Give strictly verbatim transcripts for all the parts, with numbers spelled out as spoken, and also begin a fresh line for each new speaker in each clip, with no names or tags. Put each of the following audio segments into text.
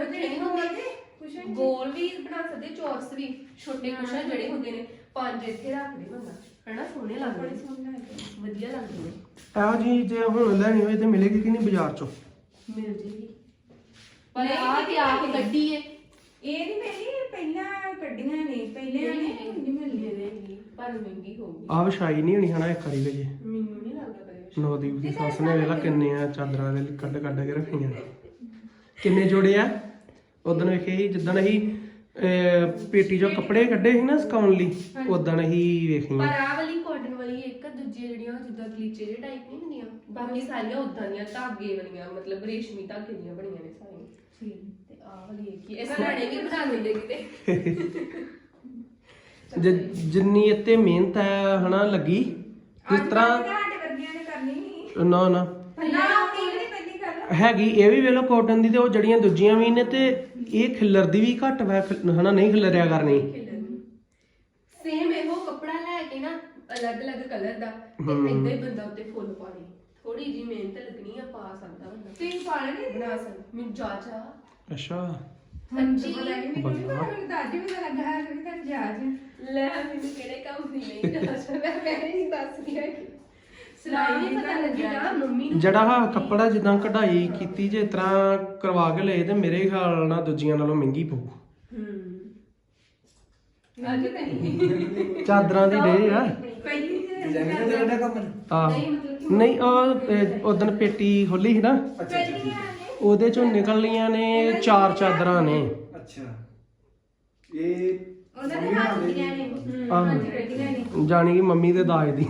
ਜਿਹੜੇ ਹੁੰਦੇ ਗੋਲ ਵੀ ਬਣਾ ਸਕਦੇ ਚੌਰਸ ਵੀ ਛੋਟੇ ਕੁਸ਼ਨ ਜਿਹੜੇ ਹੁੰਦੇ ਨੇ ਪੰਜ ਇੱਥੇ ਰੱਖਦੇ ਬੰਦਾ ਹਨਾ ਸੋਹਣੇ ਲੱਗਦੇ ਵਧੀਆ ਲੱਗਦੇ ਨੇ
ਇਹੋ ਜੀ ਜੇ ਹੁਣ ਲੈਣੀ ਹੋਏ ਤੇ ਮਿਲੇਗੀ ਕਿ ਨਹੀਂ ਬਾਜ਼ਾਰ ਚੋਂ
ਮਿਲ ਜੇਗੀ ਪਰ ਆਹ ਤੇ ਆਪ ਗੱਡੀ ਏ
ਇਹ ਨਹੀਂ ਮਿਲੀ ਪਹਿਲਾਂ ਕੱਢੀਆਂ ਨੇ ਪਹਿਲੇ ਨੇ ਨਹੀਂ ਮਿਲਦੀ
ਨੇ ਪਰ ਮਹਿੰਗੀ ਹੋਊਗੀ
ਆ ਵਿਛਾਈ ਨਹੀਂ ਹੋਣੀ ਹਨਾ ਇੱਕ ਵਾਰੀ ਵੇ
ਮੈਨੂੰ ਨਹੀਂ ਲੱਗਦਾ ਕਰੇ
ਨੌਦੀਪ ਦੀ ਸੱਸ ਨੇ ਵੇਲਾ ਕਿੰਨੇ ਆ ਚਾਦਰਾਂ ਦੇ ਕੱਢ ਕੱਢ ਕੇ ਰੱਖੀਆਂ ਕਿੰਨੇ ਜੋੜੇ ਆ ਉਦੋਂ ਵੇਖੇ ਸੀ ਜਿੱਦਣ ਅਸੀਂ ਪੇਟੀ ਚੋਂ ਕੱਪੜੇ ਕੱਢੇ ਸੀ ਨਾ ਸੁਕਾਉਣ ਲਈ ਉਦੋਂ ਅਸੀਂ ਵੇਖੀਆਂ
ਪਰ ਆਹ ਵਾਲੀ ਕਾਟਨ ਵਾਲੀ ਇੱਕ ਦੂਜੀ ਜਿਹੜੀਆਂ ਜਿੱਦਾਂ ਕਲੀਚੇ ਜਿਹੇ ਟਾਈਪ ਨਹੀਂ ਹੁੰਦੀਆਂ ਬਾਕੀ ਸਾਰੀਆਂ ਉਦਾਂ ਦੀਆਂ ਧਾਗੇ ਵਾਲੀਆਂ ਮਤਲਬ ਰੇਸ਼ਮੀ ਧਾਗੇ ਦੀਆਂ ਬਣੀਆਂ ਨੇ ਸਾਰੀਆਂ ਤੇ ਆਹ ਵਾਲੀ ਇੱਕ ਹੀ ਇਹ ਸਰਾਣੇ ਵੀ ਬਣਾ ਦਿੰਦੇ ਕਿਤੇ
ਜਿੰਨੀ ਇੱਥੇ ਮਿਹਨਤ ਹੈ ਹਨਾ ਲੱਗੀ ਜਿਸ ਤਰ੍ਹਾਂ
ਸਾਡੇ ਵਰਗੀਆਂ ਨੇ ਕਰਨੀ ਨਹੀਂ
ਨਾ ਨਾ
ਨਾ ਉਹ ਨਹੀਂ ਪਹਿਲੀ ਗੱਲ
ਹੈਗੀ ਇਹ ਵੀ ਵੇਲੋ ਕਾਟਨ ਦੀ ਤੇ ਉਹ ਜਿਹੜੀਆਂ ਦੂਜੀਆਂ ਵੀ ਨੇ ਤੇ ਇਹ ਖਿੱਲਰਦੀ ਵੀ ਘੱਟ ਵਾ ਹਨਾ ਨਹੀਂ ਖਿਲਰਿਆ ਕਰਨੀ
ਸੇਮ ਇਹੋ ਕੱਪੜਾ ਲੈ ਕੇ ਨਾ ਅਲੱਗ ਅਲੱਗ ਕਲਰ ਦਾ ਤੇ ਏਦਾਂ ਹੀ ਬੰਦਾ ਉੱਤੇ ਫੁੱਲ ਪਾ ਦੇ ਥੋੜੀ ਜੀ ਮਿਹਨਤ ਲੱਗਣੀ ਆ ਪਾ ਸਕਦਾ ਬੰਦਾ
ਤੁਸੀਂ ਪਾ ਲੈਣੇ
ਬਣਾ ਸਕਦਾ ਮੈਨੂੰ ਜਾਚਾ
ਅੱਛਾ
ਹਾਂਜੀ
ਮੈਨੂੰ ਦਾਦੀ ਵੀ ਲੱਗਾ ਹੈ ਕਿ ਤਾਂ ਜਾਜ
ਲੈ ਮੈਨੂੰ ਕਿਹੜੇ ਕੰਮ ਦੀ ਨਹੀਂ ਜਾਚ ਮੈਂ ਮੈਂ ਨਹੀਂ ਦੱਸਦੀ ਹੈ ਸਲਾਈ ਨਹੀਂ ਪਤਾ ਲੱਗਿਆ ਮੰਮੀ ਨੂੰ
ਜਿਹੜਾ ਆਹ ਕੱਪੜਾ ਜਿੱਦਾਂ ਕਢਾਈ ਕੀਤੀ ਜੇ ਇਸ ਤਰ੍ਹਾਂ ਕਰਵਾ ਕੇ ਲਏ ਤੇ ਮੇਰੇ ਖਿਆਲ ਨਾਲ ਦੂਜੀਆਂ ਨਾਲੋਂ ਮਹਿੰਗੀ ਪਊ
ਹੂੰ ਅੱਜ ਨਹੀਂ
ਚਾਦਰਾਂ ਦੀ ਡੇ ਆ
ਪਹਿਲੀ
ਡਿਜ਼ਾਈਨ ਦਾ ਜਿਹੜਾ ਕੰਮ
ਆ
ਨਹੀਂ ਮਤਲਬ
ਨਹੀਂ ਉਹ ਉਦੋਂ ਪੇਟੀ ਖੋਲੀ ਸੀ ਨਾ ਉਹਦੇ ਚੋਂ ਨਿਕਲ ਲੀਆਂ ਨੇ ਚਾਰ ਚਾਦਰਾਂ ਨੇ
ਅੱਛਾ ਇਹ
ਉਹਨਾਂ ਦੇ ਹੱਥ ਦੀਆਂ ਨੇ
ਆਹ ਜਾਣੀ ਕਿ ਮੰਮੀ ਦੇ ਦਾਜ ਦੀ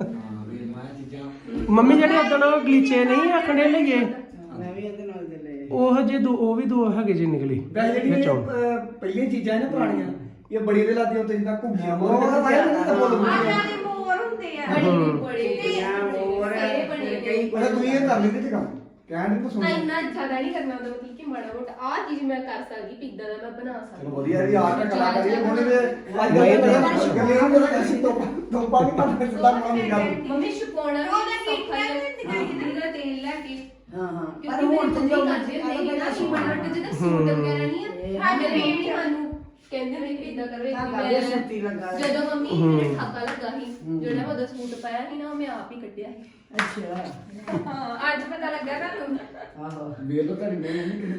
ਮੰਮੀ ਜਿਹੜੇ ਉਦੋਂ ਗਲੀਚੇ ਨਹੀਂ ਆਖਣੇ ਲਈਏ
ਮੈਂ ਵੀ ਇਹਦੇ ਨਾਲ ਦੇ ਲਏ
ਉਹ ਜੇ ਦੋ ਉਹ ਵੀ ਦੋ ਹੈਗੇ ਜੇ ਨਿਕਲੇ
ਵੈਸੇ ਜਿਹੜੀਆਂ ਅਹ, ਪਹਿਲੀਆਂ ਚੀਜ਼ਾਂ ਨੇ ਪੁਰਾਣੀਆਂ ਇਹ ਬੜੀ ਦੇ ਲਾਦੀਆਂ ਉੱਤੇ ਜਿੱਦਾਂ ਘੁੰਮੀਆਂ ਮੋਰ ਵਾਇਆ ਨਹੀਂ ਤਾਂ ਬੋਲ
ਆਹ ਦੇ ਮੋਰ ਹੁੰਦੇ ਆ
ਬੜੇ ਬੜੇ
ਇਹ
ਬਣੇ
ਕਈ ਉਹ ਤੁਸੀਂ ਇਹ ਕਰ ਲੈਂਦੇ ਤੇ ਕੰਮ ਕਹਿਣ ਨੂੰ
ਨਾ
ਸੁਣ
ਇੰਨਾ ਜ਼ਿਆਦਾ ਨਹੀਂ ਕਰਨਾ ਹੁੰਦਾ ਮਤਲਬ ਕਿ ਮਾੜਾ ਮੋਟਾ ਆਹ ਚੀਜ਼ ਮੈਂ ਕਰ ਸਕਦੀ ਪਿੱਦਾਂ ਦਾ ਮੈਂ ਬਣਾ ਸਕਦੀ
ਚਲੋ ਵਧੀਆ ਵੀ ਆਰਟ ਕਲਾਕਾਰੀ ਹੋਣੀ ਤੇ ਅੱਜ ਕੱਲ੍ਹ ਗੱਲਾਂ ਨੂੰ ਅਸੀਂ ਤੋਂ ਤੋਂ ਪਾਣੀ ਪਾ ਸਿੱਧਾ ਕੰਮ ਨਹੀਂ ਕਰ
ਮੰਮੀ ਛਪਾਉਣਾ
ਉਹਦਾ
ਵੀ
ਕੀ
ਸੌਖਾ
ਕਹਿੰਦੇ
ਹੈ
ਤੇ
ਜਿਹਦਾ ਤੇਲ ਲੈ ਕੇ
ਹਾਂ ਹਾਂ
ਕਿਉਂਕਿ ਮੇਰੇ ਮੰਮੀ ਕਰਦੇ ਨਹੀਂ ਨਾ ਸੀ ਮਾੜਾ ਮੋਟਾ ਜਿਹਦਾ ਸੂਟ ਵਗੈਰਾ ਨਹੀਂ ਹੈ ਸਾਡੇ ਵੀ ਸਾਨੂੰ ਕਹਿੰਦੇ ਨੇ ਕਿ ਇਦਾਂ ਕਰੋ ਮੈਂ ਜਦੋਂ ਮੰਮੀ ਨੇ ਠਾਕਾ ਲੱਗਾ ਸੀ ਜਿਹੜਾ ਉਹਦਾ ਸੂਟ ਪਾਇਆ ਸੀ ਨਾ ਉਹ ਮੈਂ ਆਪ ਹੀ ਕੱਢਿਆ ਸੀ
ਅੱਛਾ
ਹਾਂ ਅੱਜ ਪਤਾ ਲੱਗਾ ਤੁਹਾਨੂੰ
ਆਹੋ ਵੇਖ ਲੋ ਤੁਹਾਡੀ ਮੈਂ ਨਹੀਂ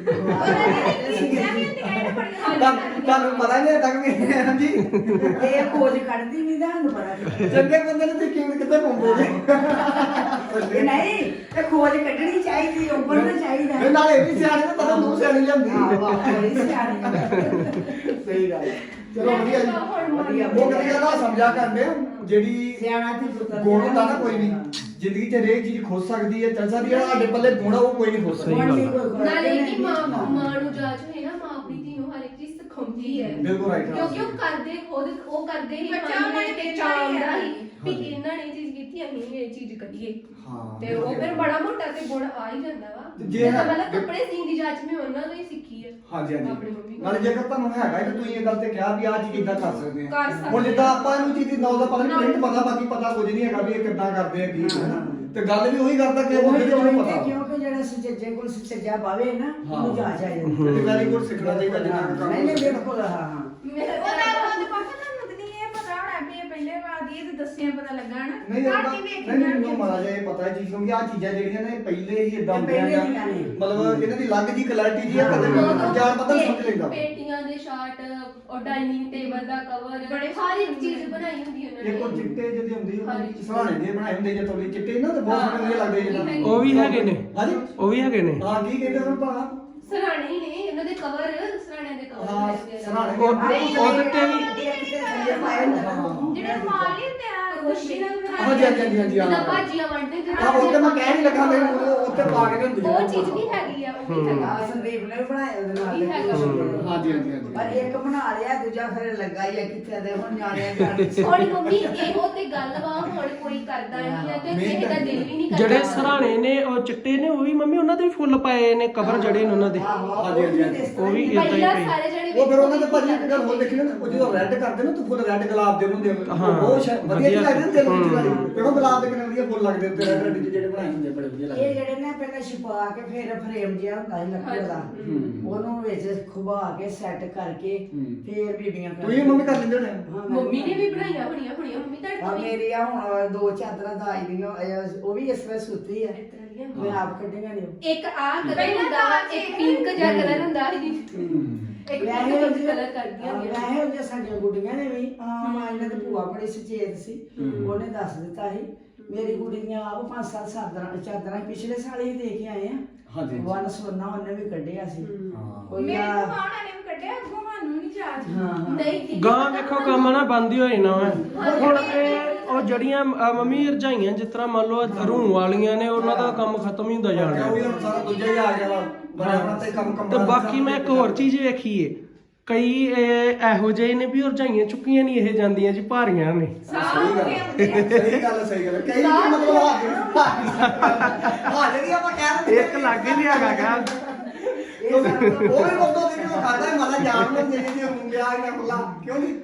ਤੁਹਾਨੂੰ ਪਤਾ ਨਹੀਂ ਤੱਕ ਵੀ ਹਾਂਜੀ
ਇਹ ਖੋਜ ਕੱਢਦੀ ਨਹੀਂ ਤੁਹਾਨੂੰ ਪਤਾ
ਚੰਗੇ ਬੰਦੇ ਨੂੰ ਤੇ ਕਿਵੇਂ ਕਿੱਥੇ ਪਾਉਂਦੇ
ਇਹ ਨਹੀਂ ਇਹ ਖੋਜ ਕੱਢਣੀ ਚਾਹੀਦੀ ਉੱਪਰ ਤਾਂ ਚਾਹੀਦਾ
ਇਹ ਨਾਲ ਇਹ ਵੀ ਸਿਆਣੇ ਤਾਂ ਪਤਾ ਨੂੰ ਸਿਆਣੀ ਲਿਆਂਦੀ
ਹਾਂ ਵਾਹ ਬੜੀ ਸਿਆਣੀ
ਸਹੀ ਗੱਲ ਹੈ। ਚਲੋ ਵਧੀਆ ਜੀ ਵਧੀਆ ਉਹ ਕਦੀ ਗੱਲ ਸਮਝਾ ਕਰਦੇ ਆ ਜਿਹੜੀ
ਸਿਆਣਾ ਤੇ ਪੁੱਤਰ
ਗੁਣ ਹੁੰਦਾ ਨਾ ਕੋਈ ਵੀ ਜ਼ਿੰਦਗੀ 'ਚ ਹਰੇਕ ਚੀਜ਼ ਖੁੱਸ ਸਕਦੀ ਹੈ ਚੱਲ ਸਕਦੀ ਹੈ ਸਾਡੇ ਪੱਲੇ ਗੁਣ ਆ ਉਹ ਕੋਈ ਨਹੀਂ ਖੁੱਸ ਸਕਦਾ
ਸਹੀ ਗੱਲ ਆ।
ਨਾਲੇ ਕਿ ਮਾਂ ਮਾਂ ਨੂੰ ਜਾਚ ਹੋਏ ਨਾ ਮਾਂ ਆਪਣੀ ਧੀ ਨੂੰ ਹਰ ਇੱਕ ਚੀਜ਼ ਸਿਖਾਉਂਦੀ ਹੈ
ਬਿਲਕੁਲ right
ਕਿਉਂਕਿ ਉਹ ਕਰਦੇ ਖੁਦ ਉਹ ਕਰਦੇ ਹੀ
ਬੱਚਾ ਉਹਨਾਂ ਨੇ
ਤੇ
ਚਾਹੁੰਦਾ
ਚਾਹੁੰਦਾ
ਹੀ।
ਹੀ ਵੀ ਇਹਨਾਂ ਨੇ ਇਹ ਚੀਜ਼ ਕੀਤੀ ਅਸੀਂ ਵੀ ਇਹ ਚੀਜ਼ ਕਰੀਏ
ਹਾਂ
ਤੇ ਉਹ ਫਿਰ ਬੜਾ ਮੋਟਾ ਤੇ ਗੁਣ ਆ ਹੀ ਜਾਂਦਾ ਵਾ
ਤੇ ਜੇ
ਜੇ
ਹੈ-
ਮਤਲਬ ਕੱਪੜੇ ਸੀਨ ਦੀ ਜਾਚ ਮੈਂ ਉਹਨਾਂ ਤੋਂ ਹੀ ਸਿੱਖੀ ਹੈ
ਹਾਂਜੀ
ਆਪਣੀ
ਹਾਂਜੀ
ਮੰਮੀ ਕੋਲ।
ਨਾਲੇ ਜੇਕਰ ਤੁਹਾਨੂੰ ਹੈਗਾ ਕਿ ਤੁਸੀਂ ਇਹ ਗੱਲ ਤੇ ਕਿਹਾ ਵੀ ਆਹ ਚੀਜ਼ ਕਿੱਦਾਂ ਕਰ ਸਕਦੇ
ਕਰ
ਆ
ਸਕਦੇ
ਹੁਣ ਜਿੱਦਾਂ ਆਪਾਂ ਇਹਨੂੰ ਚੀਜ਼ ਦੀ ਨੌਲੇਜ ਪਤਾ ਨਹੀਂ ਪ੍ਰਿੰਟ ਪਤਾ ਬਾਕੀ ਪਤਾ ਕੁਝ ਨਹੀਂ ਹੈਗਾ ਵੀ ਇਹ ਕਿੱਦਾਂ ਕਰਦੇ ਆ ਕੀ ਹੈ ਨਾ। ਤੇ ਗੱਲ ਵੀ ਉਹੀ ਕਰਦਾ ਕਿ ਬੰਦੇ ਨੂੰ ਨਹੀਂ ਪਤਾ
ਕਿਉਂਕਿ ਜਿਹੜਾ ਸੁਚੱਜੇ ਕੋਲ ਸੁਚੱਜਾ ਪਾਵੇ ਨਾ
ਹਾਂ।
ਉਹਨੂੰ ਜਾਚ ਆ ਜਾਂਦੀ
ਤੇ ਵੈਰੀ ਗੁੱਡ ਸਿੱਖਣਾ ਚਾਹੀਦਾ ਜਿੰਨਾ ਕੁ ਕੰਮ
ਨਹੀਂ ਨਹੀਂ ਬਿਲਕੁਲ ਹਾਂ ਹਾਂ
ਮੇਰੇ
ਉਹਦਾ ਉਹਦੇ ਪਾਪਾ ਤੁਹਾਨੂੰ ਤਾਂ ਨਹੀਂ ਇਹ ਪਤਾ ਹੋਣਾ ਵੀ ਇਹ ਪਹਿਲੇ ਵਾਰ ਦੀ ਇਹ ਤੇ ਦੱਸਿਆ ਪਤਾ ਲੱਗਾ ਨਾ
ਨਹੀਂ ਯਾਰ
ਘੱਟ ਹੀ
ਨਹੀਂ
ਵੇਖੀ
ਮੈਨੂੰ
ਜਾਣਗੇ।
ਮਾਰਾ ਜਿਹਾ ਇਹ ਪਤਾ ਹੈ ਚੀਜ਼ ਕਿਉਂਕਿ ਆ ਚੀਜ਼ਾਂ ਜਿਹੜੀਆਂ ਨੇ ਪਹਿਲੇ ਹੀ ਇਦਾਂ
ਇਹ ਪਹਿਲੇ
ਹੁੰਦੀਆਂ
ਦੀਆਂ ਨੇ।
ਮਤਲਬ ਇਹਨਾਂ ਦੀ ਅਲੱਗ ਜੀ ਕੁਆਲਿਟੀ ਜੀ ਹੈ ਕਦੇ ਜਾਣ ਪਤਾ ਨਹੀਂ ਸਮਝ ਲੈਂਦਾ
ਪੇਟੀਆਂ ਦੇ ਸ਼ਾਰਟ ਔਰ ਡਾਈਨਿੰਗ ਟੇਬਲ ਦਾ ਕਵਰ ਬੜੇ ਹਰ ਇੱਕ ਚੀਜ਼ ਬਣਾਈ ਹੁੰਦੀ ਉਹਨਾਂ
ਇਹ ਕੋ
ਨੇ
ਚਿੱਟੇ ਜਿਹੇ ਹੁੰਦੇ
ਹਾਂਜੀ।
ਉਹ ਸਹਾਣੇ ਦੇ ਬਣਾਏ ਹੁੰਦੇ ਜੇ ਥੋੜੇ ਚਿੱਟੇ ਨਾ ਤੇ ਬਹੁਤ ਸੋਹਣੇ ਵਧੀਆ ਲੱਗਦੇ ਜਿਹਨਾਂ
ਉਹ ਵੀ ਹੈਗੇ ਨੇ
ਹਾਂਜੀ
ਉਹ ਵੀ ਹੈਗੇ ਨੇ
ਹਾਂ ਕੀ ਕਹਿੰਦੇ ਉਹਨਾਂ ਭਾ
ਸਰਾਣੇ ਹੀ ਨੇ ਇਹਨਾਂ ਦੇ ਕਵਰ ਸਰਾਣੇ ਦੇ ਕਵਰ
ਹਾਂ
ਬਣਾਏ
ਸਹਾਣੇ
ਉਹ
ਦੇ
ਉਹਦੇ ਤੇ ਵੀ
ਥੱਲੇ ਪਾਇਆ ਹੁੰਦਾ
ਜਿਹੜੇ ਮਾਲ ਹੀ ਹੁੰਦੇ ਆ ਰੋਸ਼ਨੀ ਨਾਲ
ਹਾਂਜੀ ਹਾਂਜੀ ਹਾਂਜੀ ਹਾਂਜੀ
ਜਿੱਦਾਂ
ਹਾਂ
ਭਾਜੀਆਂ ਵੰਡਦੇ
ਹਾਂ ਉਹ ਤੇ ਮੈਂ ਕਹਿ ਨਹੀਂ ਲੱਗਾ ਮੈਨੂੰ ਉਹ ਉੱਤੇ ਪਾ ਕੇ ਹੁੰਦੀ
ਉਹ ਚੀਜ਼ ਵੀ ਹੈਗੀ ਆ ਉਹ ਵੀ ਹੈਗਾ
ਆ ਸੰਦੀਪ ਨੇ ਵੀ ਬਣਾਇਆ ਉਹਦੇ ਨਾਲ
ਇਹ ਹੈਗਾ।
ਹਾਂਜੀ ਹਾਂਜੀ ਹਾਂਜੀ
ਪਰ ਇੱਕ ਬਣਾ ਲਿਆ ਦੂਜਾ ਫਿਰ ਲੱਗਾ ਹੀ ਆ ਕਿੱਥੇ ਦੇ ਹੁਣ ਨਿਆਣਿਆਂ ਘਰ
ਹੁਣ ਮੰਮੀ ਇਹੋ ਤੇ ਗੱਲ ਵਾ ਹੁਣ ਕੋਈ ਕਰਦਾ ਨਹੀਂ ਹੈ ਤੇ ਕਿਸੇ ਦਾ ਦਿਲ ਵੀ ਨਹੀਂ ਕਰਦਾ
ਜਿਹੜੇ ਸਰਾਣੇ ਨੇ ਉਹ ਚਿੱਟੇ ਨੇ ਉਹ ਵੀ ਮੰਮੀ ਉਹਨਾਂ ਦੇ ਵੀ ਫੁੱਲ ਪਾਏ ਨੇ ਕਵਰ ਜਿਹੜੇ ਨੇ ਉਹਨਾਂ ਦੇ
ਆਹੋ,
ਹਾਂਜੀ, ਹਾਂਜੀ, ਹਾਂਜੀ।
ਉਹ ਵੀ ਇਦਾਂ ਹੀ
ਪਹਿਲਾਂ
ਪਈ
ਸਾਰੇ ਜਣੇ
ਉਹ ਫਿਰ ਉਹਨਾਂ ਦੇ ਭਾਜੀ ਇੱਕ ਗੱਲ ਹੋਰ ਦੇਖੀ ਨਾ, ਉਹ ਜਦੋਂ ਰੈੱਡ ਕਰਦੇ ਨਾ, ਤੂੰ ਫੁੱਲ ਰੈੱਡ ਗੁਲਾਬ ਦੇ ਹੁੰਦੇ ਆ,
ਹਾਂ,
ਉਹ ਸ਼ਾ- ਵਧੀਆ ਜਿਹੇ ਲੱਗਦੇ ਨੇ ਦਿਲ ਵਿੱਚ
ਹੂੰ।
ਵਾਲੀ। ਦੇਖੋ ਗੁਲਾਬ ਦੇ ਕਿੰਨੇ ਵਧੀਆ ਫੁੱਲ ਲੱਗਦੇ ਉੱਤੇ ਰੈੱਡ ਰੈੱਡ ਜਿਹੜੇ ਬਣਾਏ ਹੁੰਦੇ ਬੜੇ ਵਧੀਆ
ਇਹ
ਲੱਗਦੇ।
ਜਿਹੜੇ ਨੇ ਪਹਿਲਾਂ ਛੁਪਾ ਕੇ ਫਿਰ ਫਰੇਮ ਜਿਹਾ ਹੁੰਦਾ ਸੀ ਲੱਕੜ ਦਾ, ਉਹਨੂੰ ਵਿੱਚ ਖੁਬਾ ਕੇ ਸੈੱਟ ਕਰਕੇ ਫਿਰ ਬੀਬੀਆਂ
ਤੂੰ ਇਹ ਮੰਮੀ ਕਰ ਲੈਂਦੇ ਹੋਣੇ ਆ?
ਹਾਂ, ਮੈਂ
ਮੰਮੀ ਨੇ ਵੀ ਬਣਾਈਆਂ ਹੋਣੀਆਂ ਹੋਣੀਆਂ ਮੰਮੀ ਤੁਹਾਡੇ
ਆ
ਤੋਂ ਵੀ
ਮੇਰੀ ਆ ਹੁਣ ਦੋ ਚਾਦਰਾਂ ਦਾਈ ਦੀਆਂ ਇਹ- ਉਹ ਵੀ ਇਸ ਤਰ੍ਹਾਂ ਸੁੱਤੀ ਆ,
ਇਸ ਤਰ੍ਹਾਂ ਦੀਆਂ।
ਮੈਂ ਆਪ ਕੱਢੀਆਂ ਨੇ।
ਇੱਕ ਆ ਕਲਰ
ਪਹਿਲਾਂ
ਹੁੰਦਾ ਵਾ,
ਤਾਂ
ਇੱਕ ਪਿੰਕ ਜਿਹਾ ਕਲਰ ਹੁੰਦਾ ਸੀ
ਹੂੰ।
ਇੱਕ
ਵੈਸੇ
ਪਿੰਕ
ਉਹ
ਕਲਰ ਕਰਦੀਆਂ ਹੁੰਦੀਆਂ
ਵੈਸੇ ਉਹ ਜੇ ਸਾਡੀਆਂ ਗੁੱਡੀਆਂ ਨੇ ਵੀ ਆ ਮਾਂ ਇਹਨਾਂ ਦੀ ਭੂਆ ਬੜੀ ਸੁਚੇਤ ਸੀ, ਉਹਨੇ ਦੱਸ ਦਿੱਤਾ ਸੀ ਮੇਰੀ ਗੁੱਡੀ ਦੀਆਂ ਆਪ ਪੰਜ ਸੱਤ ਚਾਦਰਾਂ ਚਾਦਰਾਂ ਪਿਛਲੇ ਸਾਲ ਹੀ ਦੇ ਕੇ ਆਏ ਆ।
ਹਾਂਜੀ।
ਵਨ ਸੋਨਾ ਉਹਨੇ ਵੀ ਕੱਢਿਆ ਸੀ।
ਹਾਂ।
ਕੋਈ
ਮੇਰੇ
ਆ
ਭੂਆਣਾ ਨੇ ਵੀ ਕੱਢਿਆ, ਅੱਗੋਂ ਸਾਨੂੰ ਨਹੀਂ ਚਾਰਜ।
ਹਾਂ
ਨਹੀਂ ਦੀਦੀ,
ਗਾਂ ਵੇਖੋ ਕੰਮ ਨਾ ਬੰਦ ਹੀ ਹੋਏ ਨਾ ਵਾ। ਹੁਣ ਇਹ ਉਹ ਜਿਹੜੀਆਂ ਅਹ, ਮੰਮੀ ਰਜਾਈਆਂ ਜਿਸ ਤਰ੍ਹਾਂ ਮੰਨ ਲਓ ਰੂਹ ਵਾਲੀਆਂ ਨੇ ਉਹਨਾਂ ਦਾ ਕੰਮ ਖਤਮ ਹੀ ਹੁੰਦਾ ਜਾਣ
ਉਹ ਵੀ
ਡਿਆ।
ਹੁਣ ਸਾਰਾ ਦੂਜਾ ਹੀ ਆ ਗਿਆ ਵਾ, ਬੜਾ ਬੜਾ ਤੇ ਕੰਮ ਕੰਮ
ਤੇ ਬਾਕੀ ਮੈਂ ਇੱਕ ਹੋਰ ਚੀਜ਼ ਵੇਖੀ ਏ, ਕਈ ਇਹ ਇਹੋ ਜਿਹੇ ਨੇ ਵੀ ਉਹ ਰਜਾਈਆਂ ਚੁੱਕੀਆਂ ਨਹੀਂ ਇਹ ਜਾਂਦੀਆਂ ਜੀ ਭਾਰੀਆਂ ਨੇ।
ਸਹੀ ਗੱਲ ਸਹੀ ਗੱਲ ਸਹੀ ਗੱਲ ਕਈ ਵੀ ਮਤਲਬ ਹਾਂ ਜਿਹੜੀ ਆਪਾਂ ਕਹਿ ਰਹੇ
ਇੱਕ ਲੱਗ ਹੀ ਨਹੀਂ ਹੈਗਾ ਗਾ।
ਉਹ ਵੀ ਬੰਦੋ ਦੇ ਨੂੰ ਖਾਦਾ ਹੈ ਮਾਲਾ ਜਾਣ ਨੂੰ ਦੇ ਦੇ ਹੁੰਦਿਆ ਇਹਨਾਂ ਖੁੱਲਾ ਕਿਉਂ ਨਹੀਂ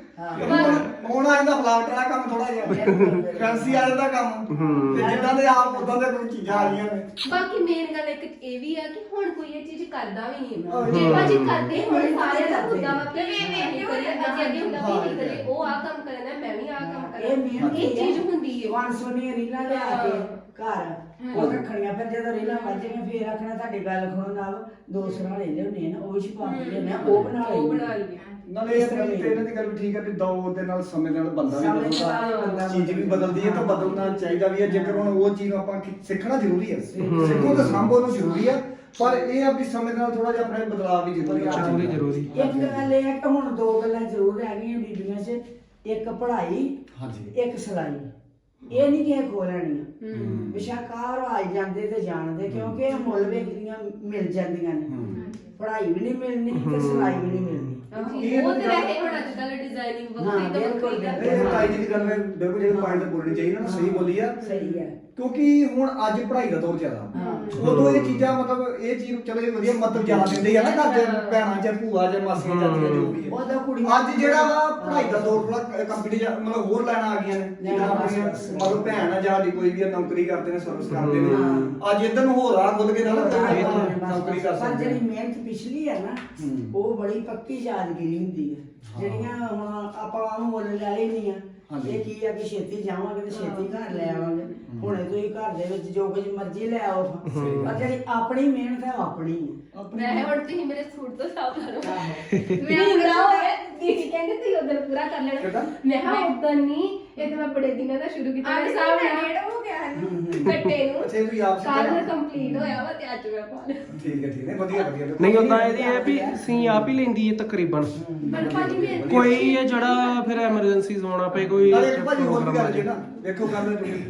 ਹੁਣ ਆ ਜਾਂਦਾ ਫਲਾਵਟ ਵਾਲਾ ਕੰਮ ਥੋੜਾ ਜਿਹਾ ਫੈਂਸੀ ਆ ਜਾਂਦਾ ਕੰਮ ਤੇ ਜਿੱਦਾਂ ਦੇ ਆਪ ਉਦਾਂ ਦੇ ਕੋਈ ਚੀਜ਼ਾਂ ਆ ਰਹੀਆਂ ਨੇ।
ਬਾਕੀ ਮੇਨ ਗੱਲ ਇੱਕ ਇਹ ਵੀ ਆ ਕਿ ਹੁਣ ਕੋਈ ਇਹ ਚੀਜ਼ ਕਰਦਾ ਵੀ ਨਹੀਂ। ਜੇ ਭਾਜੀ ਕਰਦੇ ਹੁਣ ਸਾਰਿਆਂ ਦਾ ਹੁੰਦਾ ਵਾ ਕਿ ਇਹ ਨਹੀਂ ਕਰੀਏ, ਅੱਗੇ ਅੱਗੇ ਹੁੰਦਾ ਵੀ ਨਹੀਂ ਕਰੀਏ, ਉਹ ਆ ਕੰਮ ਕਰਨਾ ਮੈਂ ਵੀ ਆ ਕੰਮ
ਇਹ
ਕਰਨਾ,
ਮਿਹਨਤ
ਇਹ ਚੀਜ਼ ਹੁੰਦੀ ਹੈ।
ਵਨ ਸੋਨੀਆਂ ਰੀਲਾਂ ਲਿਆ ਕੇ ਘਰ ਉਹ ਰੱਖਣੀਆਂ, ਫਿਰ ਜਦੋਂ ਰੀਲਾਂ ਵੱਜਣੀਆਂ ਫਿਰ ਆਖਣਾ ਤੁਹਾਡੀ ਗੱਲ ਖਣੋ ਨਾਲ ਦੋ ਸਰਾਣੇ ਲਿਆਉਣੇ ਆ ਨਾ, ਉਹ ਛਪਾ ਕੇ ਲਿਆਉਣੇ ਆ, ਉਹ ਬਣਾ
ਉਹ ਬਣਾ
ਲਈ
ਲਈਏ।
ਨਾਲੇ ਇਹ ਤੇ ਇਹਨਾਂ ਦੀ ਗੱਲ ਵੀ ਠੀਕ ਹੈ ਵੀ ਦੌਰ ਦੇ ਨਾਲ ਸਮੇਂ ਦੇ ਨਾਲ ਬੰਦਾ ਵੀ
ਸਮੇਂ ਦੇ ਨਾਲ
ਬਦਲਦਾ,
ਬੰਦਾ
ਚੀਜ਼ ਵੀ ਬਦਲਦੀ ਹੈ ਤਾਂ ਬਦਲਣਾ ਚਾਹੀਦਾ ਵੀ ਹੈ। ਜੇਕਰ ਹੁਣ ਉਹ ਚੀਜ਼ ਨੂੰ ਆਪਾਂ ਕਿ- ਸਿੱਖਣਾ ਜ਼ਰੂਰੀ ਹੈ, ਸਿੱਖੋ ਤਾਂ ਸੰਭੋ ਨੂੰ ਜ਼ਰੂਰੀ ਹੈ, ਪਰ ਇਹ ਆ ਵੀ ਸਮੇਂ ਦੇ ਨਾਲ ਥੋੜਾ ਜਿਹਾ ਆਪਣੇ ਬਦਲਾਅ ਵੀ ਜ਼ਰੂਰੀ ਹੈ।
ਜ਼ਰੂਰੀ ਜ਼ਰੂਰੀ।
ਇੱਕ ਗੱਲ ਇਹ ਹੈ ਕਿ ਹੁਣ ਦੋ ਗੱਲਾਂ ਜ਼ਰੂਰ ਹੈਗੀਆਂ ਬੀਬੀਆਂ 'ਚ, ਇੱਕ ਪੜ੍ਹਾਈ
ਹਾਂਜੀ।
ਇੱਕ ਸਿਲਾਈ। ਇਹ ਨਹੀਂ ਕਿ ਖੋ ਲੈਣੀਆਂ ਵਿਸ਼ਾਕਾਰ ਆ ਜਾਂਦੇ ਤੇ ਜਾਣਦੇ, ਕਿਉਂਕਿ ਇਹ ਮੁੱਲ ਵੇਖਦੀਆਂ ਮਿਲ ਜਾਂਦੀਆਂ ਨੇ, ਪੜ੍ਹਾਈ ਵੀ ਨਹੀਂ ਮਿਲਣੀ ਤੇ ਸਿਲਾਈ ਵੀ ਨਹੀਂ ਮਿਲਣੀ।
ਉਹ ਤੇ ਰਹੇ ਹੁਣ ਅੱਜ ਕੱਲ ਡਿਜ਼ਾਈਨਿੰਗ
ਹਾਂ,
ਵੱਖਰੀ ਤਾਂ
ਬਿਲਕੁਲ,
ਵੱਖਰੀ
ਬਿਲਕੁਲ।
ਇਹ ਤਾਈ ਜੀ ਦੀ ਗੱਲ ਮੈਂ ਬਿਲਕੁਲ ਜਿਹੜੇ ਪੁਆਇੰਟ ਬੋਲਣੀ ਚਾਹੀਦੀ ਨਾ ਸਹੀ ਬੋਲੀ ਆ,
ਸਹੀ ਹੈ।
ਕਿਉਂਕਿ ਹੁਣ ਅੱਜ ਪੜ੍ਹਾਈ ਦਾ ਦੌਰ ਚੱਲਦਾ।
ਹਾਂ।
ਉਦੋਂ ਇਹ ਚੀਜ਼ਾਂ ਮਤਲਬ ਇਹ ਚੀਜ਼ ਚਲੋ ਇਹ ਵਧੀਆ ਮਤਲਬ ਜ਼ਿਆਦਾ ਦਿੰਦੇ ਆ ਨਾ ਘਰ ਦੇ ਭੈਣਾਂ ਚ ਭੂਆ ਚ ਮਾਸੀਆਂ ਚਾਚੀਆਂ ਜੋ ਵੀ ਹੈ।
ਉਹਦਾ ਕੁੜੀਆਂ
ਅੱਜ ਜਿਹੜਾ ਵਾ ਪੜ੍ਹਾਈ ਦਾ ਦੌਰ ਥੋੜਾ ਕੰਪੀਟੀਸ਼ਨ ਮਤਲਬ ਹੋਰ ਲੈਣਾ ਆ ਗਈਆਂ ਨੇ, ਜਿੱਦਾਂ ਆਪਣੀਆਂ ਮਤਲਬ ਭੈਣ ਆ ਜਾਂ ਸਾਡੀ ਕੋਈ ਵੀ ਆ, ਨੌਕਰੀ ਕਰਦੇ ਨੇ, ਸਰਵਿਸ ਕਰਦੇ ਨੇ, ਅੱਜ ਇੱਧਰ ਨੂੰ ਹੋਰ ਆ ਖੁੱਲ ਕੇ ਨਾਲ ਨੌਕਰੀ ਕਰ
ਪਰ
ਸਕਦੇ
ਜਿਹੜੀ
ਨੇ।
ਮਿਹਨਤ ਪਿਛਲੀ ਹੈ ਨਾ, ਉਹ ਬੜੀ ਪੱਕੀ ਯਾਦਗਿਰੀ ਹੁੰਦੀ ਹੈ। ਜਿਹੜੀਆਂ ਹੁਣ ਆਪਾਂ ਉਹਨੂੰ ਮੁੱਲ ਲੈ ਲੈਣੀ ਆ, ਇਹ ਕੀ ਆ ਕਿ ਛੇਤੀ ਜਾਵਾਂਗੇ ਤੇ ਛੇਤੀ ਘਰ ਲੈ ਆਵਾਂਗੇ, ਹੁਣੇ ਤੁਸੀਂ ਘਰ ਦੇ ਵਿੱਚ ਜੋ ਕੁਝ ਮਰਜ਼ੀ ਲੈ ਆਓ, ਪਰ ਜਿਹੜੀ ਆਪਣੀ ਮਿਹਨਤ ਹੈ ਉਹ ਆਪਣੀ ਹੈ।
ਮੈਂ ਹੁਣ ਤੁਸੀਂ ਮੇਰੇ ਸੂਟ ਤੋਂ ਸਾਫ ਲਾ ਲਓ।
ਆਹੋ।
ਮੈਂ ਪੂਰਾ ਹੋ ਗਿਆ, ਦੀਦੀ ਕਹਿੰਦੇ ਤੁਸੀਂ ਉਧਰ ਪੂਰਾ ਕਰ ਲੈਣਾ। ਮੈਂ ਹਾਂ ਉਧਰ ਨਹੀਂ, ਇਹ ਤਾਂ ਮੈਂ ਬੜੇ ਦਿਨਾਂ ਦਾ ਸ਼ੁਰੂ ਕੀਤਾ
ਅੱਜ
ਮੇਰੇ
ਸਾਹਬ
ਸਾਹਮਣੇ
ਡੇਢ ਹੋ ਗਿਆ ਹੈ ਨਾ।
ਕੱਟੇ ਨੂੰ
ਅੱਛਾ, ਇਹ ਤੁਸੀਂ ਆਪ ਸਿੱਖਿਆ?
ਕੱਲ ਕੰਪਲੀਟ ਹੋਇਆ ਵਾ ਤੇ ਅੱਜ ਮੈਂ ਪਾ ਲਿਆ।
ਠੀਕ ਹੈ ਠੀਕ ਹੈ ਵਧੀਆ ਵਧੀਆ।
ਨਹੀਂ ਉਦਾਂ ਇਹਦੀ ਹੈ ਵੀ ਸੀ ਆਪ ਹੀ ਲੈਂਦੀ ਹੈ ਤਕਰੀਬਨ।
ਪਰ ਭਾਜੀ ਮੇਰੇ
ਕੋਈ ਇਹ ਜਿਹੜਾ ਫਿਰ ਐਮਰਜੈਂਸੀ ਆਉਣਾ ਪਏ ਕੋਈ
ਨਾਲੇ ਇੱਕ ਭਾਜੀ ਹੋਰ ਵੀ ਗੱਲ ਜੇ ਨਾ ਵੇਖੋ ਗੱਲ ਤੁਸੀਂ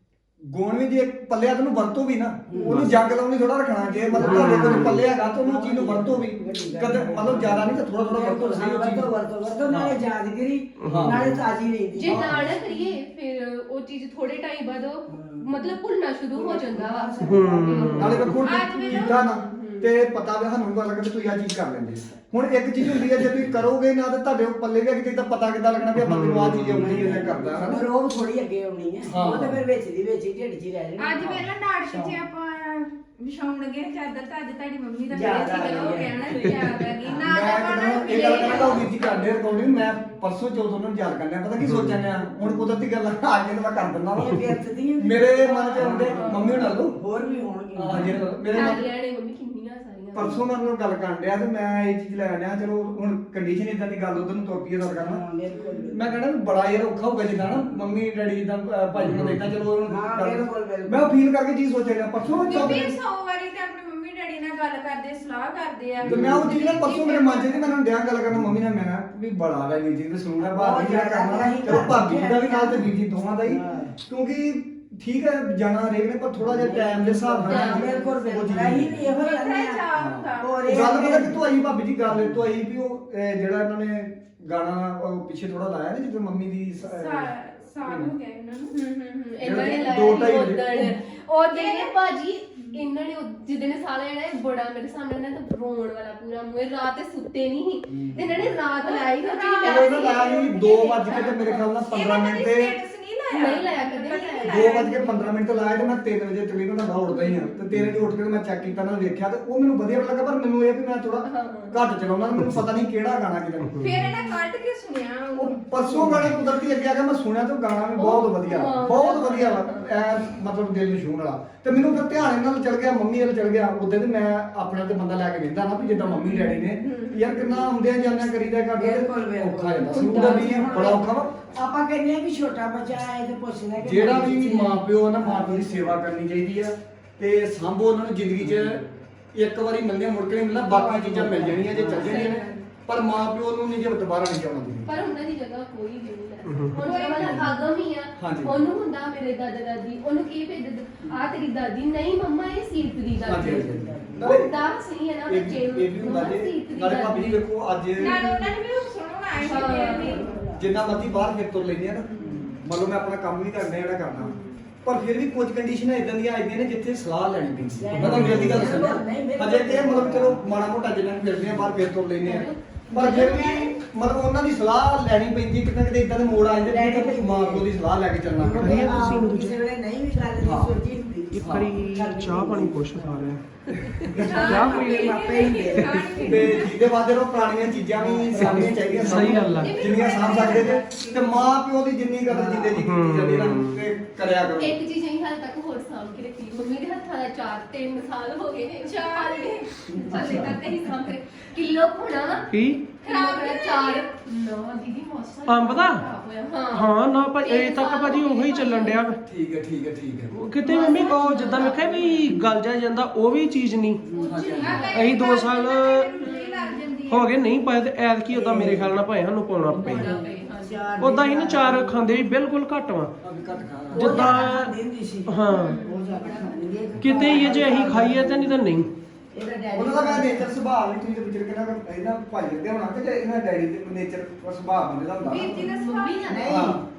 ਗੁਣ ਵੀ ਜੇ ਪੱਲਿਆ ਤੈਨੂੰ ਵਰਤੋ ਵੀ ਨਾ, ਉਹਨੂੰ ਜੰਗ ਲਾਉਣੀ ਥੋੜਾ ਰੱਖਣਾ। ਜੇ ਮਤਲਬ ਤੁਹਾਡੇ ਕੋਲ ਪੱਲੇ ਹੈਗਾ ਤਾਂ ਉਹਨੂੰ ਚੀਜ਼ ਨੂੰ ਵਰਤੋ ਵੀ, ਕਦੇ ਮਤਲਬ ਜ਼ਿਆਦਾ ਨਹੀਂ ਤਾਂ ਥੋੜਾ ਥੋੜਾ ਵਰਤੋ ਸਹੀ ਉਹ ਚੀਜ਼।
ਵਰਤੋ ਵਰਤੋ ਵਰਤੋ, ਨਾਲੇ ਯਾਦਗਿਰੀ ਨਾਲੇ ਤਾਜ਼ੀ ਰਹਿੰਦੀ।
ਜੇ ਨਾ ਨਾ ਕਰੀਏ ਫਿਰ ਉਹ ਚੀਜ਼ ਥੋੜੇ ਟਾਈਮ ਬਾਅਦ ਉਹ ਮਤਲਬ ਭੁੱਲਣਾ ਸ਼ੁਰੂ ਹੋ ਜਾਂਦਾ ਵਾ।
ਨਾਲੇ ਵੇਖੋ ਕੀਤਾ ਨਾ ਤੇ ਪਤਾ ਵੀ ਸਾਨੂੰ ਪਤਾ ਲੱਗੇ ਤੁਸੀਂ ਆ ਚੀਜ਼ ਕਰ ਲੈਂਦੇ। ਹੁਣ ਇੱਕ ਚੀਜ਼ ਹੁੰਦੀ ਹੈ ਜੇ ਤੁਸੀਂ ਕਰੋਗੇ ਨਾ ਤੇ ਤੁਹਾਡੇ ਪੱਲੇ ਵੀ ਕਿਤੇ ਤਾਂ ਪਤਾ ਕਿੱਦਾਂ ਲੱਗਣਾ ਵੀ ਆ ਬੰਦੇ ਨੂੰ ਆ ਚੀਜ਼ ਆਉਂਦੀ ਹੈ ਜਾਂ ਕਰਦਾ ਹੈ
ਪਰ ਉਹ ਥੋੜੀ ਅੱਗੇ ਆਉਣੀ ਹੈ, ਉਹ ਤਾਂ ਫਿਰ ਵਿੱਚ ਦੀ ਵਿੱਚ ਹੀ ਢਿੱਡ 'ਚ ਹੀ ਰਹਿ ਜਾਣੀ।
ਅੱਜ ਵੇਲਾ ਨਾਟਕ 'ਚ ਆਪਾਂ ਵਿਛਾਉਣ ਲੱਗੇ ਚਾਦਰ ਤਾਂ ਅੱਜ ਤੁਹਾਡੀ ਮੰਮੀ ਦਾ
ਯਾਦ ਆ
ਸੀ,
ਗਈ
ਉਹ
ਹੈ।
ਕਹਿਣਾ ਯਾਦ ਆ ਗਈ ਨਾ
ਮੈਂ
ਤਾਂ
ਕਹਿੰਦਾ ਇਹ ਗੱਲ ਕਹਿੰਦਾ ਉਹ ਵੀਰ ਜੀ ਕਰਦੇ ਰਿਕਾਰਡਿੰਗ ਮੈਂ ਪਰਸੋਂ ਚੌਥ ਨੂੰ ਯਾਦ ਕਰਨਾ ਪਤਾ ਕੀ ਸੋਚਣ ਆ ਹੁਣ ਕੁਦਰਤੀ ਗੱਲ ਆ ਕੇ ਤਾਂ ਮੈਂ ਕਰ ਦਿੰਦਾ ਵਾ
ਇਹ ਵਿਅਰਥ ਦੀਆਂ
ਮੇਰੇ ਮਨ 'ਚ ਹੁੰਦੇ ਮੰਮੀ ਹੁਣਾਂ ਲੋ
ਹੋਰ ਵੀ ਹੋਣਗੇ।
ਹਾਂ ਜੀ ਮੇਰੇ ਮਨ
ਸਾਰੀਆਂ ਨੇ ਮੰਮੀ ਕਿੰਨੀਆਂ ਸਾਰੀਆਂ
ਪਰਸੋਂ ਮੈਂ ਉਹਨਾਂ ਗੱਲ ਕਰਨ ਡਿਆ ਤੇ ਮੈਂ ਇਹ ਚੀਜ਼ ਲੈ ਆਣਿਆ ਚਲੋ ਹੁਣ ਕੰਡੀਸ਼ਨ ਇਦਾਂ ਦੀ ਗੱਲ ਉਧਰ ਨੂੰ ਤੁਰ ਪਈ ਗੱਲ ਕਰਨਾ।
ਹਾਂ, ਬਿਲਕੁਲ, ਬਿਲਕੁਲ।
ਮੈਂ ਕਹਿੰਦਾ ਵੀ ਬੜਾ ਯਾਰ ਔਖਾ ਹੋਊਗਾ ਜਿੱਦਾਂ ਨਾ ਮੰਮੀ ਡੈਡੀ ਜਿੱਦਾਂ ਅਹ ਭਾਜੀ ਨੂੰ ਦੇਖਦਾ ਚਲੋ ਉਹਨੂੰ
ਹਾਂ,
ਕਰ-
ਬਿਲਕੁਲ, ਬਿਲਕੁਲ।
ਮੈਂ ਫੀਲ ਕਰਕੇ ਚੀਜ਼ ਸੋਚ ਰਿਹਾ ਪਰਸੋਂ
ਬੀਬੀ
ਚੌਥ
ਸੌ ਵਾਰੀ ਤੇ ਆਪਣੇ ਮੰਮੀ ਡੈਡੀ ਨਾਲ ਗੱਲ ਕਰਦੇ ਸਲਾਹ ਕਰਦੇ ਆ
ਤੇ ਮੈਂ ਉਹ ਚੀਜ਼ ਨਾ ਪਰਸੋਂ ਮੇਰੇ ਮਨ 'ਚ ਸੀ ਮੈਨੂੰ ਡਿਆ ਗੱਲ ਕਰਨਾ ਮੰਮੀ ਨਾਲ ਮੈਂ ਵੀ ਬੜਾ ਵਾ ਵੀਰ ਜੀ ਦਾ ਸਲੂਨ ਹੈ ਭਾਬੀ ਜਿਹੜਾ ਕਰਨਾ ਚਲੋ ਭਾਬੀ ਜੀ ਦਾ ਵੀ ਨਾਲ ਤੇ ਵੀਰ ਜੀ ਦੋਵਾਂ ਦਾ ਹੀ ਕਿਉਂਕਿ ਠੀਕ ਹੈ ਜਾਣਾ ਹਰੇਕ ਨੇ ਪਰ ਥੋੜਾ ਜਿਹਾ ਟਾਈਮ ਦੇ ਹਿਸਾਬ ਨਾਲ
ਹਾਂ, ਬਿਲਕੁਲ ਬਿਲਕੁਲ। ਅਸੀਂ ਵੀ ਇਹੋ ਹੀ ਕਹਿੰਦੇ
ਵੱਖਰਾ ਚਾਅ ਹੁੰਦਾ।
ਆ। ਹੋਰ ਇਹ
ਗੱਲ ਪਤਾ ਕਿ ਆਈ ਭਾਬੀ ਜੀ ਗੱਲ ਤੋਂ ਆਈ ਵੀ ਉਹ ਅਹ, ਜਿਹੜਾ ਇਹਨਾਂ ਨੇ ਗਾਣਾ ਉਹ ਪਿੱਛੇ ਥੋੜਾ ਲਾਇਆ ਨਾ ਜਦੋਂ ਮੰਮੀ ਦੀ ਸ- ਅਹ,
ਸਾਲ ਹੋ ਗਿਆ ਇਹਨਾਂ ਨੂੰ।
ਹੂੰ ਹੂੰ ਹੂੰ ਇਹਨਾਂ ਨੇ
ਦੋ ਢਾਈ
ਲਾਇਆ
ਵਜੇ।
ਉਦਣ ਉਹ ਜਿਹੜੇ ਭਾਜੀ ਇਹਨਾਂ ਨੇ ਜਿੱਦਣ ਸਾਲ ਲੈਣਾ ਇਹ ਬੜਾ ਮੇਰੇ ਸਾਹਮਣੇ ਨਾ ਤਾਂ ਰੋਣ ਵਾਲਾ ਪੂਰਾ ਮੂੰਹ ਰਾਤ ਤੇ ਸੁੱਤੇ ਨਹੀਂ ਸੀ ਤੇ ਇਹਨਾਂ ਨੇ ਰਾਤ ਲਾਈ ਤਾਂ
ਉਹ ਇਹਨਾਂ ਲਾਇਆ ਸੀ ਦੋ ਵੱਜ ਕੇ ਤੇ ਮੇਰੇ ਖਿਆਲ ਨਾਲ ਪੰਦਰਾਂ ਮਿੰਟ ਤੇ
ਨਹੀਂ ਲਾਇਆ ਕਦੇ ਨਹੀਂ ਲਾਇਆ
ਦੋ ਵੱਜ ਕੇ ਪੰਦਰਾਂ ਮਿੰਟ ਤੇ ਲਾਇਆ ਤੇ ਮੈਂ ਤਿੰਨ ਵਜੇ ਤਕਰੀਬਨ ਦਾ ਉੱਠਦਾ ਹੀ ਹਾਂ ਤੇ ਤਿੰਨ ਵਜੇ ਉੱਠ ਕੇ ਮੈਂ ਚੈੱਕ ਕੀਤਾ ਨਾ ਵੇਖਿਆ ਤੇ ਉਹ ਮੈਨੂੰ ਵਧੀਆ ਲੱਗਾ ਪਰ ਮੈਨੂੰ ਇਹ ਵੀ ਮੈਂ ਥੋੜਾ ਘੱਟ ਚਲਾਉਣਾ ਮੈਨੂੰ ਪਤਾ ਨਹੀਂ ਕਿਹੜਾ ਗਾਣਾ ਕਿਹਦਾ
ਫਿਰ ਇਹਨਾਂ ਕੱਢ ਕੇ ਸੁਣਿਆ
ਉਹ ਪਰਸੋਂ ਗਾਣੇ ਕੁਦਰਤੀ ਅੱਗੇ ਆ ਕੇ ਮੈਂ ਸੁਣਿਆ ਤੇ ਉਹ ਗਾਣਾ ਵੀ ਬਹੁਤ ਵਧੀਆ ਬਹੁਤ ਵਧੀਆ ਵਾ ਐ ਮਤਲਬ ਦਿਲ ਨੂੰ ਛੂਹਣ ਵਾਲਾ ਤੇ ਮੈਨੂੰ ਫਿਰ ਧਿਆਨ ਇਹਨਾਂ ਨਾਲ ਚਲ ਗਿਆ ਮੰਮੀ ਵੱਲ ਚਲ ਗਿਆ ਉਦੋਂ ਤੇ ਮੈਂ ਆਪਣੇ ਤੇ ਬੰਦਾ ਲੈ ਕੇ ਵੇਂਦਾ ਨਾ ਵੀ ਜਿੱਦਾਂ ਮੰਮੀ ਡੈਡੀ ਨੇ ਯਾਰ ਕਿੰਨਾ ਆਉਂਦਿਆਂ ਜਾਂਦਿਆਂ ਕਰੀਦਾ ਕਰਦੇ ਔਖਾ ਜਾਂਦਾ ਸੂਟ ਵੀ ਬੜਾ ਔਖਾ ਵਾ
ਆਪਾਂ ਕਹਿੰਦੇ ਆ ਵੀ ਛੋਟਾ ਬੱਚਾ ਆਏ ਤੇ ਪੁੱਛਦਾ ਕਿ
ਜਿਹੜਾ ਵੀ ਮਾਂ ਪਿਓ ਨਾ ਮਾਂ ਪਿਓ ਦੀ ਸੇਵਾ ਕਰਨੀ ਚਾਹੀਦੀ ਆ ਤੇ ਸਾਂਭੋ ਉਹਨਾਂ ਨੂੰ ਜ਼ਿੰਦਗੀ 'ਚ ਇੱਕ ਵਾਰੀ ਮਿਲਦੇ ਮੁੜ ਕੇ ਨਹੀਂ ਮਿਲਣਾ ਬਾਕੀ ਚੀਜ਼ਾਂ ਮਿਲ ਜਾਣੀਆਂ ਜੇ ਚੱਲ ਜਾਣੀਆਂ ਨੇ ਪਰ ਮਾਂ ਪਿਓ ਨੂੰ ਨਹੀਂ ਜੇ ਦੁਬਾਰਾ ਨਹੀਂ ਆਉਣਾ ਚਾਹੀਦਾ
ਪਰ ਉਹਨਾਂ ਦੀ ਜਗ੍ਹਾ ਕੋਈ ਵੀ ਨਹੀਂ ਹੈ ਹੁਣ ਵਾਲਾ ਆਗਮ ਹੀ ਆ ਉਹਨੂੰ ਹੁੰਦਾ ਮੇਰੇ ਦਾਦਾ ਦਾਦੀ ਉਹਨੂੰ ਕੀ ਭੇਜ ਆ ਤੇਰੀ ਦਾਦੀ ਨਹੀਂ ਮੰਮਾ ਇਹ ਸੀਰਤ ਦੀ ਦਾਦੀ ਹੁੰਦਾ ਸਹੀ ਹੈ ਨਾ ਬੱਚੇ ਨੂੰ
ਇਹ ਵੀ ਹੁੰਦਾ ਜੇ ਨਾਲੇ ਭਾਬੀ ਜੀ ਵੇਖੋ ਅੱਜ
ਨਾਲ ਉਹਨਾਂ ਨੇ ਵੀ ਸੁਣਾਉਣਾ ਆਏ ਸੀ
ਜਿੰਨਾ ਮਰਜ਼ੀ ਬਾਹਰ ਫਿਰ ਤੁਰ ਲੈਂਦੇ ਆ ਨਾ ਮੰਨ ਲਓ ਮੈਂ ਆਪਣਾ ਕੰਮ ਵੀ ਕਰਨਾ ਜਿਹੜਾ ਕਰਨਾ ਪਰ ਫਿਰ ਵੀ ਕੁਝ ਕੰਡੀਸ਼ਨਾਂ ਇਦਾਂ ਦੀਆਂ ਆਈਆਂ ਨੇ ਜਿੱਥੇ ਸਲਾਹ ਲੈਣੀ ਪੈਂਦੀ ਹੈ ਮੈਂ ਤੁਹਾਨੂੰ ਜਲਦੀ ਗੱਲ ਦੱਸਣਾ ਅਜੇ ਤੇ ਮਤਲਬ ਚਲੋ ਮਾੜਾ ਮੋਟਾ ਜਿੰਨਾ ਫਿਰਦੇ ਆ ਬਾਹਰ ਫਿਰ ਤੁਰ ਲੈਂਦੇ ਆ ਪਰ ਫਿਰ ਵੀ ਮਤਲਬ ਉਹਨਾਂ ਦੀ ਸਲਾਹ ਲੈਣੀ ਪੈਂਦੀ ਕਿਤੇ ਕਿਤੇ ਇਦਾਂ ਦੇ ਮੋੜ ਆ ਜਾਂਦੇ ਨੇ ਕਿ ਮਾਂ ਪਿਓ ਦੀ ਸਲਾਹ ਲੈ ਕੇ ਚੱਲਣਾ
ਕਰੀਏ ਤੁਸੀਂ ਨੂੰ
ਕਿਸੇ ਵੇਲੇ ਨਹੀਂ ਵੀ ਗੱਲ ਦੀ ਸੋਚੀ ਹੁੰਦੀ
ਇੱਕ ਵਾਰੀ ਚਾਹ ਪਾਣੀ ਪੁੱਛ ਪਾ ਰਿਹਾ
ਚਾਹ ਪੀਣੇ ਮਾਪੇ ਹੀ ਦੇ
ਤੇ ਜਿਹਦੇ ਵਾਸਤੇ ਉਹ ਪੁਰਾਣੀਆਂ ਚੀਜ਼ਾਂ ਵੀ ਸਾਂਭਣੀਆਂ ਚਾਹੀਦੀਆਂ
ਸਹੀ ਗੱਲ ਆ।
ਜਿੰਨੀਆਂ ਸਾਂਭ ਸਕਦੇ ਤੇ ਤੇ ਮਾਂ ਪਿਓ ਦੀ ਜਿੰਨੀ ਕਦਰ ਜਿੰਦੇ ਜੀ ਕੀਤੀ ਜਾਂਦੀ ਨਾ ਤੇ ਕਰਿਆ ਕਰੋ
ਇੱਕ ਚੀਜ਼ ਅਸੀਂ ਹਾਲ ਤੱਕ ਹੋਰ ਸਾਂਭ ਕੇ ਰੱਖੀ ਮੰਮੀ ਦੇ ਹੱਥਾਂ ਦਾ ਚਾਰ ਤਿੰਨ ਸਾਲ ਹੋ ਗਏ ਨੇ ਚਾਰ ਦੇ ਹਾਲੇ ਤੱਕ ਅਸੀਂ ਸਾਂਭ ਕੇ ਕਿਲੋ ਖੁਣਾ
ਕੀ
ਖਰਾਬ ਹੋਇਆ ਚਾਰ ਨਾ ਦੀਦੀ ਮੌਸਮ
ਅੰਬ ਦਾ?
ਖਰਾਬ ਹੋਇਆ ਹਾਂ
ਹਾਂ ਨਾ ਭਾਈ ਇਹ ਤੱਕ ਭਾਜੀ ਉਹੀ ਚੱਲਣ ਡਿਆ ਵਾ।
ਠੀਕ ਹੈ ਠੀਕ ਹੈ ਠੀਕ ਹੈ
ਉਹ ਕਿਤੇ ਮੰਮੀ ਕੋ ਜਿੱਦਾਂ ਵੇਖਿਆ ਵੀ ਗਲ ਜਾ ਜਾਂਦਾ ਉਹ ਵੀ ਚੀਜ਼ ਨਹੀਂ ਅਸੀਂ ਦੋ ਸਾਲ ਹੋ ਗਏ ਨਹੀਂ ਪਾਏ ਤੇ ਐਤ ਕੀ ਉਦਾਂ ਮੇਰੇ ਖਿਆਲ ਨਾਲ ਭਾਵੇਂ ਸਾਨੂੰ ਪਾਉਣਾ ਪਏ ਉਦਾਂ ਹੀ ਨਾ ਚਾਰ ਖਾਂਦੇ ਵੀ ਬਿਲਕੁਲ ਘੱਟ ਵਾ
ਘੱਟ ਖਾ
ਜਿੱਦਾਂ
ਦਿੰਦੀ ਸੀ
ਹਾਂ
ਉਹ ਜਾ ਕੇ ਖਾਂਦੀ ਹੈ
ਕਿਤੇ ਹੀ ਜੇ ਅਸੀਂ ਖਾਈਏ ਤੇ ਨਹੀਂ ਤਾਂ ਨਹੀਂ
ਇਹਦਾ ਡੈਡੀ
ਉਹਨਾਂ ਦਾ ਮੈਂ ਨੇਚਰ ਸੁਭਾਅ ਵੀ ਤੁਸੀਂ ਤੇ ਵਿਚਰ ਕੇ ਨਾ ਇਹਨਾਂ ਭਾਈ ਦੇ ਹੋਣਾ ਕਿ ਜੇ ਇਹਨਾਂ ਡੈਡੀ ਦੇ ਨੇਚਰ ਸੁਭਾਅ ਬੰਦੇ ਦਾ ਹੁੰਦਾ
ਵੀਰ ਜੀ ਦਾ
ਮੰਮੀ
ਸੁਭਾਅ
ਨਾ
ਨਹੀਂ